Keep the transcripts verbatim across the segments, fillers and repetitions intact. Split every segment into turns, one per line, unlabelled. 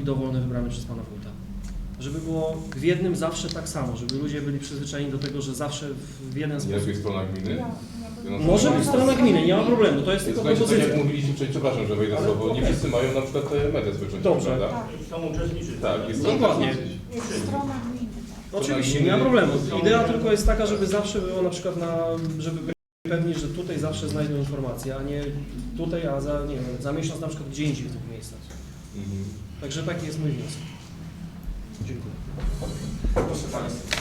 dowolny wybrany przez pana wójta. Żeby było w jednym zawsze tak samo, żeby ludzie byli przyzwyczajeni do tego, że zawsze w jeden sposób.
Jest strona gminy?
Może być strona gminy, nie ma problemu, to jest tylko
Słuchajcie, tak
propozycja.
jak mówiliśmy wcześniej, przepraszam, że wejdę słowo, nie wszyscy mają na przykład te media społecznościowe,
Dobrze.
prawda?
Tak.
Chcą uczestniczyć.
Tak, jest
Dokładnie.
Jest strona gminy.
Oczywiście, nie ma problemu. Idea tylko jest taka, żeby zawsze było na przykład na, żeby byli pewni, że tutaj zawsze znajdą informacje, a nie tutaj, a za, nie wiem, za miesiąc na przykład gdzie indziej w tych miejscach.
Mhm.
Także taki jest mój wniosek. Dziękuję.
Proszę Państwa.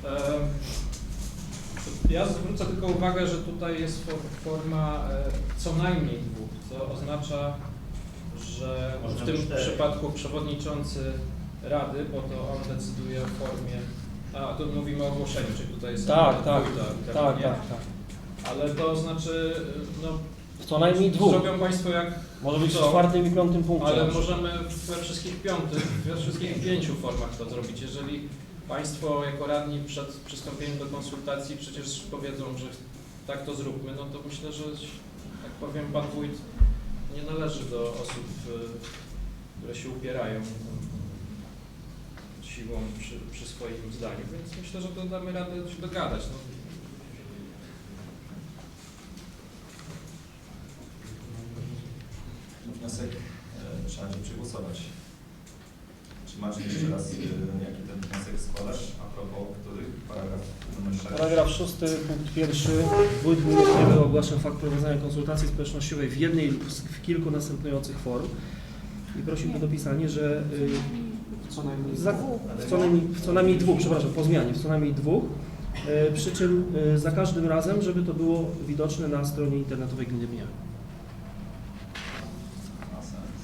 Ja zwrócę tylko uwagę, że tutaj jest forma co najmniej dwóch, co oznacza, że w tym przypadku przewodniczący Rady, bo to on decyduje o formie, a tu mówimy o ogłoszeniu, czyli tutaj jest
Tak, tak,
wójta,
tak,
nie?
tak, tak.
Ale to znaczy, no
Co najmniej dwóch.
zrobią Państwo jak
Może być w
chcą,
czwartym i piątym punkcie.
ale
na przykład.
możemy we wszystkich piątych, we wszystkich pięciu formach to zrobić. Jeżeli Państwo jako radni przed przystąpieniem do konsultacji przecież powiedzą, że tak to zróbmy, no to myślę, że tak powiem, Pan Wójt nie należy do osób, które się upierają siłą przy, przy swoim zdaniu, więc myślę, że to damy radę się dogadać. No.
Wniosek e, trzeba będzie przegłosować. Czy macie jeszcze raz, e, jaki ten wniosek składasz? A propos których? Paragraf numer sześć.
Paragraf szósty, punkt pierwszy. Wójt gminy Kniewy ogłasza fakt prowadzenia konsultacji społecznościowej w jednej lub w kilku następujących form i prosił o dopisanie, że y,
Co najmniej
za,
dwóch.
w, co najmniej, w co najmniej dwóch, przepraszam, po zmianie, w co najmniej dwóch, y, przy czym y, za każdym razem, żeby to było widoczne na stronie internetowej Gminy Bniach.
Ma sens.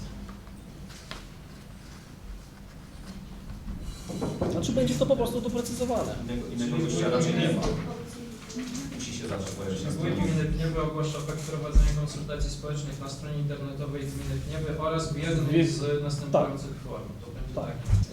Znaczy będzie to po prostu doprecyzowane.
Innego, innego wyjścia raczej nie ma. Musi się zawsze pojawić na
Wójt
stronie.
Gminy Kniewy ogłasza fakt prowadzenia konsultacji społecznych na stronie internetowej Gminy Kniewy oraz w jednej z następujących form. To będzie
Tak.
tak.